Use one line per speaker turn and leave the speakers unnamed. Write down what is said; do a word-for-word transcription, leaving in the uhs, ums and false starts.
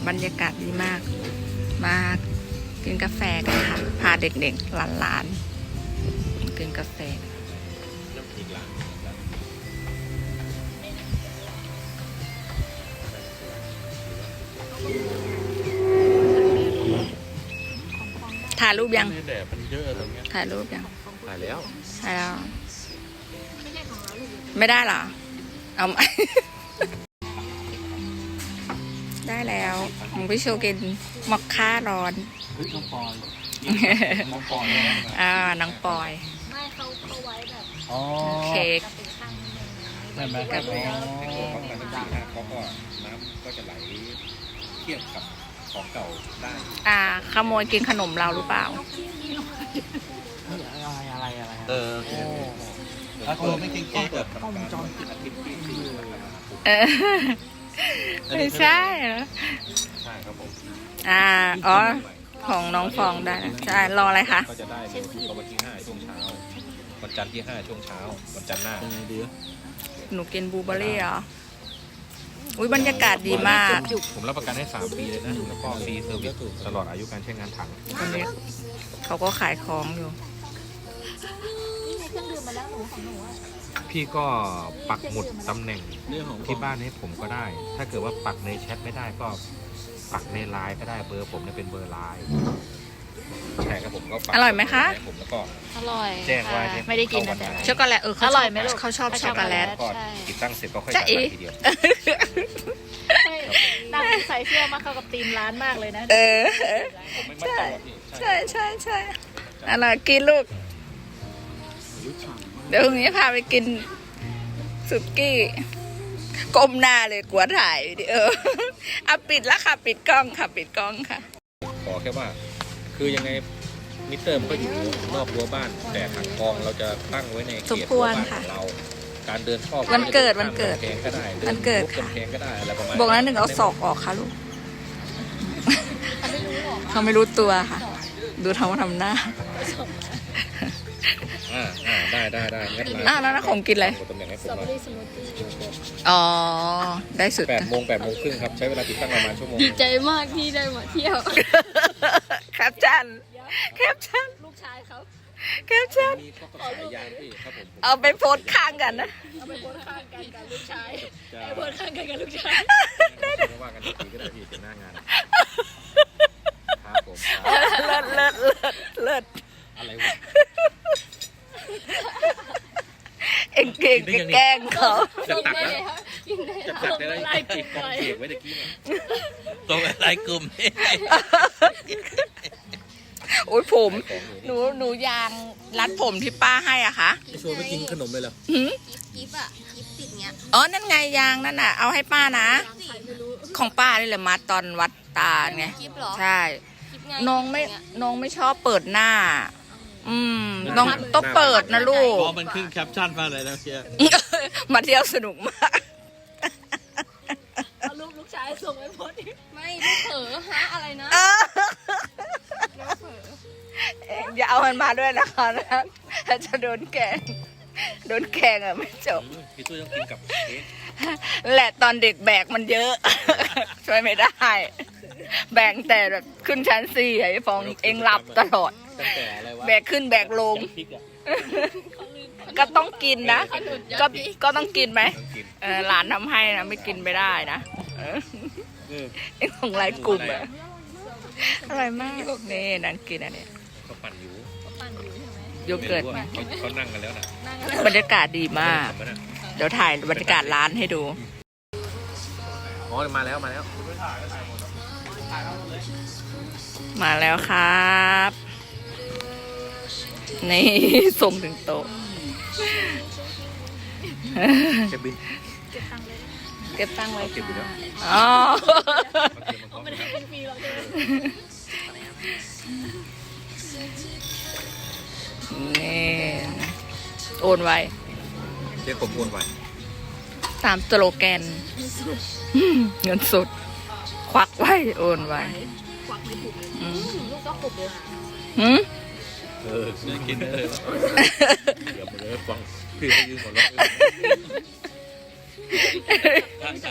บรรยากาศดีมากมากินกาแฟกันค่ะพาเด็กๆหลานๆกินกาแฟถ่ายรูปยังถ่ายรูปยัง
ถ่ายแล้ว
ถ่ายแล้วไม่ได้เหรอเอาได้แล้วของพี่โชกินมอคค่าร้อน
น้องปอยน้องปอย
อ่าน้องปอย
ไม่เขาเขาไว้แบบ
เค้ก
ใช่ไหม
กับ
เขาเขาก็น้ำก็จะไหลเทียบกับของเก่าได้
อ่าขโมยกินขนมเราหรือเปล่า
อะไรอะไรอะไรเออแล้วตัวไม่เก่งๆแบบกล้องจอปิดอาทิตย์ที่ที่
เออไม่ใช่เหรอ
ใช่ครับผม
อ่าอ๋อของน้องฟองได้ใช่รออะไรคะ
ก็จะได้วันที่ห้าช่วงเช้าวันจันทร์ที่ห้าช่วงเช้าวันจันทร์หน้า
หนูกินบลูเบอร์รี่เหรออุ้ยบรรยากาศดีมาก
ผมรับประกันให้สามปีเลยนะแล้วก็ฟรีเซอร์วิสตลอดอายุการใช้งานถัง
วันนี้เขาก็ขายของอยู่
เครื่องดื่มมาแล้วหนูของหนู
พี่ก็ปักหมุดตำแหน่งที่บ้านให้ผมก็ได้ ถ้าเกิดว่าปักในแชทไม่ได้ก็ปักในไลน์ก็ได้เบอร์ผมเนี่ยเป็นเบอร์ไลน์ใช่ครับผมก็ปัก
อร่อยไหมคะ
ผมแล้วก็
อร่อย
แจ้งว่า
ไม่ได้กินนะแต่
ช็อกโกแลตเออเขาอร่อยไหมลูกเขาชอบช็อกโกแลต
ก็ติดตั้งเสร็จก็ค่อยจ่ายทีเดียว
ตั้งใส่เสื้อมาเข้ากับธีมร้านมากเลยนะ
เออใช่ใช่ใช่ใช่อะไรกินลูกเดี๋ยวพรุ่งนี้พาไปกินสุกี้ก้มหน้าเลยกลัวถ่ายวิดีโออ่ะปิดแล้วค่ะปิดกล้องค่ะปิดกล้องค่ะ
ขอแค่ว่าคือยังไงมิเตอร์มันก็อยู่นอกรั้วบ้านแต่ถังกองเราจะตั้งไว้ในเขตรั้วบ้านของเราการเดินเข้า
วันเกิดวันเกิด
แพงก็ได้
วันเกิด
ค่ะแพงก็ได้อะไรประมาณ
บอกนั้นหนึ่งเอาศอกออกค่ะลูกเขาไม่รู้ตัวค่ะดูทำทำหน้า
อ่าอ่าได้ได้ได้งั้น
อ่าแล้วนะผมกินอะไรอ๋อได้สุด
แปดโมงแปดโมงครึ่งครับใช้เวลาติดตั้งประมาณชั่วโมง
ดีใจมากที่ได้มาเที่ยว
แคปชั่นแคปชั่น
ลูกชายเขา
แคปชั่นเอาไปโพสข้างกันนะ
เอาไปโพสข้างกันกับลูกชายเอาไปโพสข้างกันกับลูกชาย
ไม่ว่ากันทีก็ได้พี่เป็นหน้างานครับผม
เลิศเลิศเลิศเลิศ
อะไรวะ
เอ็งเก่งแกล้งเขา
จะตัดแล้วจะตัดได้ไล่กลุ่มกองเสียงไว้ตะกี้เนี่ยตรงไล่กลุ่ม
โอ้ยผมหนูหนูยางรัดผมที่ป้าให้อ่ะคะ
ชวนไปกินขนมเลยเหรอ
กิฟต์อ่ะกิฟต์ติดเงี้ย
อ๋อนั่นไงยางนั่นน่ะเอาให้ป้านะของป้านี่แหละมาตอนวัดตาไงใช่น้องไม่น้องไม่ชอบเปิดหน้าอืมต้องต้องเปิดนะลูก
พอมันขึ้นแคปชั่นมาเลยนะเชียร์
มาเที่ยวสนุกมาก
เอารูปลูกชายส่งไปโพสไม่ลูกเผลอฮะอะไรนะลูกเผลอ
อย่าเอามันมาด้วยนะคะนะถ้าจะโดนแกงโดนแกงอ่ะไม่จบ
พี่ตุ้ยต้องกินกับเค้ก
แหละตอนเด็กแบกมันเยอะช่วยไม่ได้แบกแต่แบบขึ้นชั้นสี่ไอ้ฟองเองหลับตลอดแบกขึ้นแบกลงก็ต้องกินนะก็ก็ต้องกินไหมหลานทำให้นะไม่กินไม่ได้นะไอ้ของไรกลุ่มอะอร่อยมากนี่นั่งกินอันนี้
เขาปั่นอยู่
โยเกิร์ต
เขานั่งกันแล้วนะ
บรรยากาศดีมากเดี๋ยวถ่ายบรรยากาศร้านให้ดู
อ๋อมาแล้วมาแล้ว
มาแล้วครับนี่ส่งถึงโต๊ะ
เก็บบิน
เก็บตังค์ไว้
เก็บบินแล้ว
อ๋อ
ไม่ได้เป็นฟรีหรอก
นี่โอนไว้
เรียกผมโอนไว้
ตามสโลแกนเงินสดควักไว้โอนไว้
ควักไม่ถูกลูกก็ขบเลย
หืม
เออน่ากินเลยเดี๋ยวมาเลยฟังพี่ให้ยืมก่อนแล้ว